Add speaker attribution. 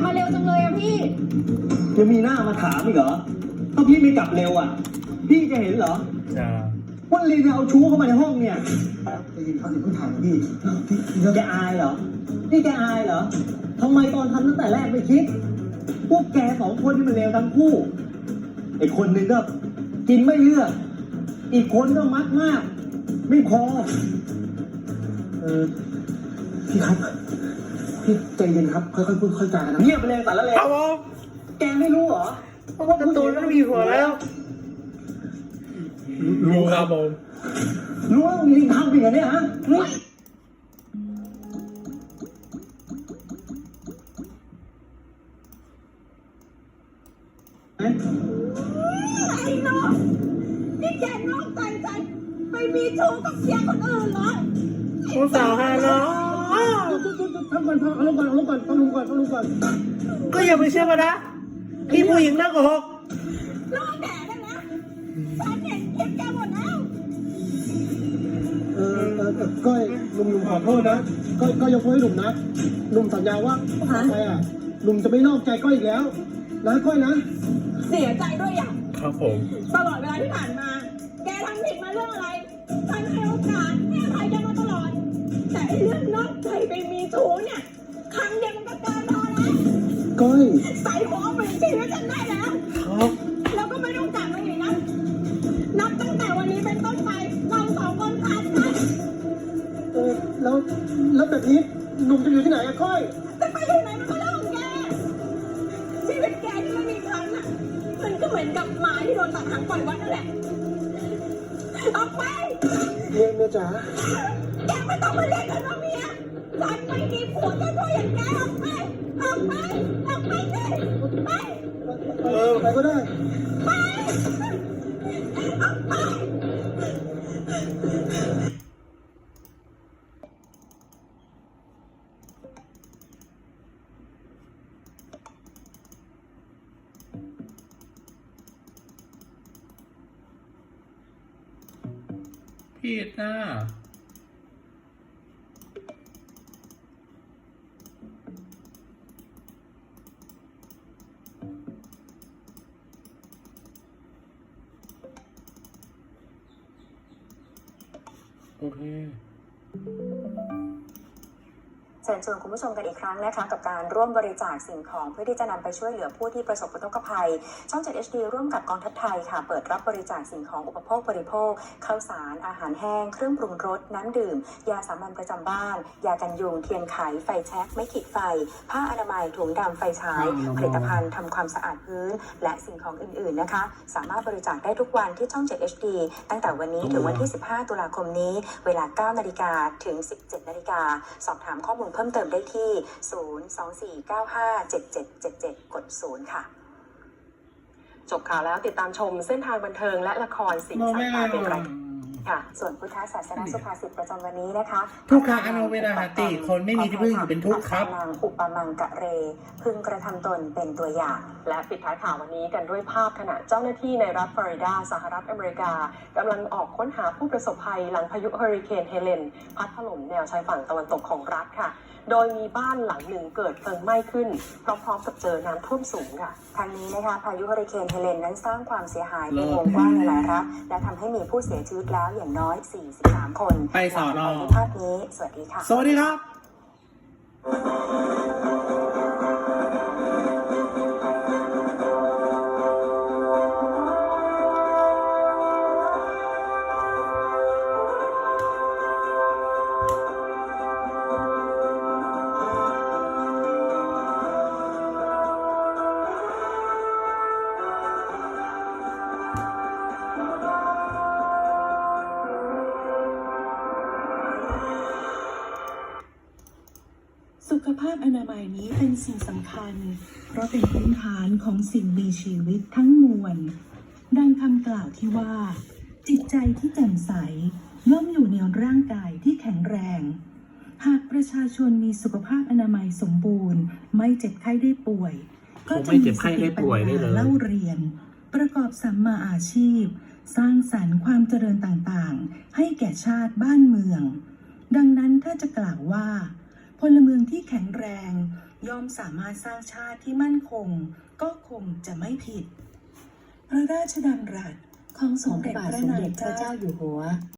Speaker 1: มาเร็วจังเลยอะพี่
Speaker 2: จะมีหน้ามาถามอีกเหรอถ้าพี่ไม่กลับเร็วอ่ะพี่จะเห็นเหรอว่าลีนเอาชู้เข้ามาในห้องเนี่ยได้ยินเขาถึงเพิ่งถามพี่แกอายเหรอนี่แกอายเหรอทำไมตอนทำตั้งแต่แรกไม่คิดพวกแกสองคนนี่มันเลวทั้งคู่ไอ้คนหนึ่งก็กินไม่เลือกอีกคนก็มักมากไม่พอพี่ครับพี่ใจเย็นครับค่อยๆพูดค่อยๆจากันนะเงียบไปเลยแต่ละเลยครับผมแกไม่รู้เหรอเพราะว่าการ์ตูนมันมีหัวแล้ว
Speaker 3: รู้ครับผม
Speaker 2: รู้ว่าลิงทำเป็นอย่างนี้ฮะ
Speaker 1: ไอ้น้องนี่แกนอกใจไปมีชู้กับเชียร์คนอื่นเหรอ
Speaker 3: ผู้สาวฮาเนาะ
Speaker 2: ทำก่อนเอาลงก่อนต้องลงก่อน
Speaker 3: ก็อย่าไปเชื่อมันนะพี่ผู้หญิงน่าโกหก
Speaker 1: น้องแดดนะฉันเห็นคลิปแกหมดแล้ว
Speaker 2: ก้อยหนุ่มขอโทษนะก้อยยกโทษให้หนุ่มนะหนุ่มสัญญาว่าต่อไปหนุ่มจะไม่นอกใจก้อยอีกแล้วนะก้อยนะ
Speaker 1: เสียใจด้วยอย่าง
Speaker 3: ครับผม
Speaker 1: ตลอดเวลาที่ผ่านมาแกทำผิดมาเรื่องอะไรฉันให้โอกาสให้อภัยแกมาตลอดแต่เรื่องนอกใจไปมีชู้เนี่ยครั้งเดียวมันก็เกินพอแล้ว
Speaker 2: ก้อย
Speaker 1: ใส่หัวเอาไปชีวิตฉันได้แล้ว
Speaker 3: ครับ
Speaker 1: แล้วก็ไม่ต้องกลับมาอีกนะนับตั้งแต่วันนี้เป็นต้นไปเราสองคนขาดกัน
Speaker 2: แล้วแบบนี้หนุ่มจะอยู่ที่ไหนอะก้อย
Speaker 1: จะไปอยู่ไหนมันก็เรื่องของแกชีวิตแกที่ไม่มีครั้งน่ะมันก็เหมือนกับหมาที่โดนตัดหางปล่อยวัดนั่นแหละออกไป
Speaker 2: เมียจ๋า
Speaker 1: แกไม่ต้องมาเรียกฉันว่าเมียฉันไม่มีผัวแค่ตัวอย่างแกออกไปสิ
Speaker 2: ไปก็ได้
Speaker 1: ไปออกไป
Speaker 3: ผิดนะโอเค
Speaker 4: เชิญชวนคุณผู้ชมกันอีกครั้งนะคะกับการร่วมบริจาคสิ่งของเพื่อที่จะนำไปช่วยเหลือผู้ที่ประสบอุทกภัยช่อง 7 HD ร่วมกับกองทัพไทยค่ะเปิดรับบริจาคสิ่งของอุปโภคบริโภคข้าวสารอาหารแห้งเครื่องปรุงรสน้ำดื่มยาสามัญประจำบ้านยากันยุงเทียนไขไฟแช็กไม้ขีดไฟผ้าอนามัยถุงดำไฟฉายผลิตภัณฑ์ทำความสะอาดพื้นและสิ่งของอื่นๆนะคะสามารถบริจาคได้ทุกวันที่ช่อง 7 HD ตั้งแต่วันนี้ถึงวันที่15ตุลาคมนี้เวลา 9 นาฬิกาถึง 17 นาฬิกาสอบถามข้อมูลเพิ่มเติมได้ที่024957777กด0ค่ะจบข่าวแล้วติดตามชมเส้นทางบันเทิงและละครสิ่งสายตาเป็นไรค่ะส่วนพุทธศาสนาสุภาษิตประจำวันนี้นะคะ
Speaker 3: ทุกขาอโนเวนาหติคนไม่มีที่พึ่งอยู่เป็นทุกข์ครับ
Speaker 4: นางอุปมังกะเรพึงกระทำตนเป็นตัวอย่าง
Speaker 5: และปิดท้ายข่าววันนี้กันด้วยภาพขณะเจ้าหน้าที่ในรัฐฟลอริดาสหรัฐอเมริกากำลังออกค้นหาผู้ประสบภัยหลังพายุเฮอริเคนเฮเลนพัดถล่มแนวชายฝั่งตะวันตกของรัฐค่ะโดยมีบ้านหลังหนึ่งเกิดเพลิงไหม้ขึ้นพร้อมๆกับเจอน้ำท่วมสูงค่ะ
Speaker 4: ทางนี้นะคะพายุเฮอริเคนเฮเลนนั้นสร้างความเสียหายเป็นวงกว้างในหลายรัฐและทำให้มีผู้เสียชีวิตแล้วอย่างน้อย43 คน
Speaker 3: ไปสอนอ
Speaker 4: ภาพนี้สวัสดีค่ะ
Speaker 3: สวัสดีครับ
Speaker 6: สุขภาพอนามัยนี้เป็นสิ่งสำคัญเพราะเป็นพื้นฐานของสิ่งมีชีวิตทั้งมวลดังคำกล่าวที่ว่าจิตใจที่แจ่มใสย่อมอยู่ในร่างกายที่แข็งแรงหากประชาชนมีสุขภาพอนามัยสมบูรณ์ไม่เจ็บไข้ได้ป่วยก็จะมีสติปัญญาเล่าเรียนประกอบสัมมาอาชีพสร้างสรรค์ความเจริญต่างๆให้แก่ชาติบ้านเมืองดังนั้นถ้าจะกล่าวว่าพลเมืองที่แข็งแรงย่อมสามารถสร้างชาติที่มั่นคงก็คงจะไม่ผิด พระราชดำรัสของสมเด็จพระนางเจ้าอยู่หัว